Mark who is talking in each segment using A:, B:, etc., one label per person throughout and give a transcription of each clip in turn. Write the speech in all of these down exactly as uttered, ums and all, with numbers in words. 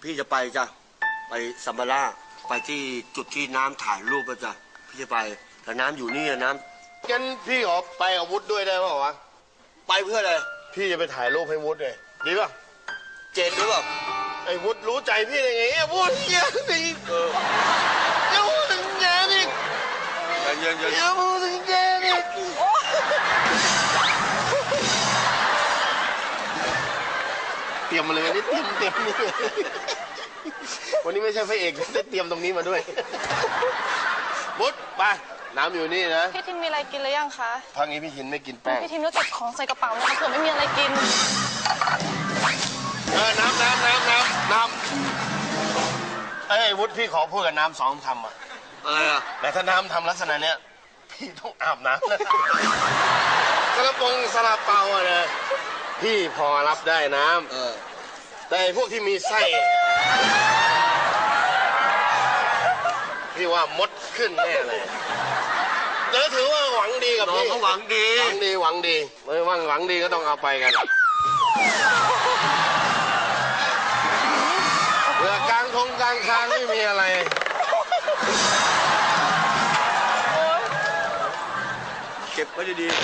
A: พี่จะไปจ้ะไปซัมบาร่าไปที่จุดที่น้ำถ่ายรูปจ้ะพี่จะไปแต่น้ำอยู่นี่น้ำ
B: งั้นพี่ขอไปกับวุฒิด้วยได้ป่าววะ
A: ไปเพื่ออะไร
B: พี่จะไปถ่ายรูปให้วุฒิเลยดีป่ะ
A: เจนหรือเปล่า
B: ไอ้วุฒิรู้ใจพี่ได้ไงไอ้วุฒิเยอะดิ
A: เออ
B: อย่าพูดถึงแกดิ
A: เย็นเย็นเย็น
B: อย่าพูดถึงแกดิเตรียมมาเลยวันนี้เตรียมเตรียมนี่วันนี้ไม่ใช่พระเอกได้เตรียมตรงนี้มาด้วยวุฒิไปน้ำอยู่นี่นะ
C: พี่ทิมมีอะไรกินหรือยังคะ
B: พักนี้พี่หินไม่กินแป้ง
C: พี่ทิมต้องเก็บของใส่กระเป๋านะคะเผื่อไม่มีอะไรกิน
B: เออน้ำน้ำน้ำน้ำน้ำเอ้ยวุฒิพี่ขอพูดกับน้ำสองคำอ่ะ
A: อะไรอ่ะ
B: แต่ถ้าน้ำทำลักษณะเนี้ยพี่ต้องอาบน้ำนะกระปงสลับเปาอะนะพี่พอรับได้น้
A: เออ
B: ำแต่พวกที่มีไส้พี่ว่ามดขึ้นแน่เลยเดี๋ยวถือว่าหวังดีกับ
A: น้อง
B: พี่
A: เขาหวังดี
B: หวังดีหวังดีไม่ว่าหวังดีก็ต้องเอาไปกันเผื่อกลางทงกลางคางไม่มีอะไร
A: เก็บไว้ดี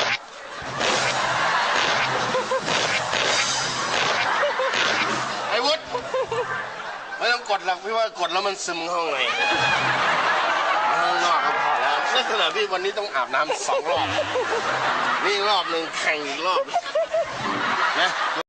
B: ไอ้วุฒิไม่ต้องกดหรอกพี่ว่ากดแล้วมันซึมเข้าในข้างนอกก็พอแล้วลักษณะพี่วันนี้ต้องอาบน้ำสองรอบนี่รอบหนึ่งแข่งอีกรอบนะ